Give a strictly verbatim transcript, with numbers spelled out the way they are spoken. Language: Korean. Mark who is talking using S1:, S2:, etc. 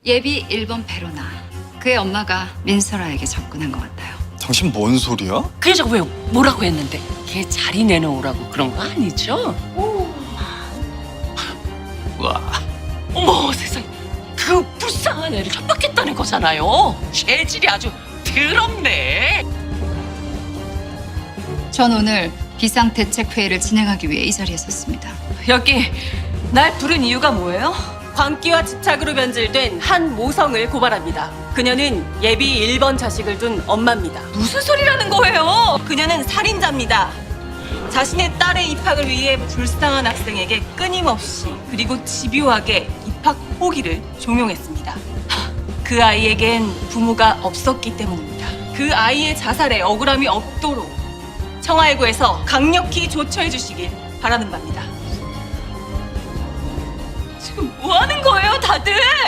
S1: 예비 일 번 페로나. 그의 엄마가 민설아에게 접근한 것 같아요.
S2: 당신 뭔 소리야?
S3: 그래서 왜 뭐라고 했는데 걔 자리 내놓으라고 그런 거 아니죠?
S2: 와.
S3: 어머 세상에 그 불쌍한 애를 협박했다는 거잖아요. 재질이 아주 더럽네.
S1: 전 오늘 비상대책회의를 진행하기 위해 이 자리에 섰습니다.
S4: 여기 날 부른 이유가 뭐예요? 광기와 집착으로 변질된 한 모성을 고발합니다. 그녀는 예비 일 번 자식을 둔 엄마입니다. 무슨 소리라는 거예요? 그녀는 살인자입니다. 자신의 딸의 입학을 위해 불쌍한 학생에게 끊임없이 그리고 집요하게 입학 포기를 종용했습니다. 그 아이에겐 부모가 없었기 때문입니다. 그 아이의 자살에 억울함이 없도록 청하일구에서 강력히 조처해 주시길 바라는 바입니다. 지금 뭐 하는 거예요, 다들?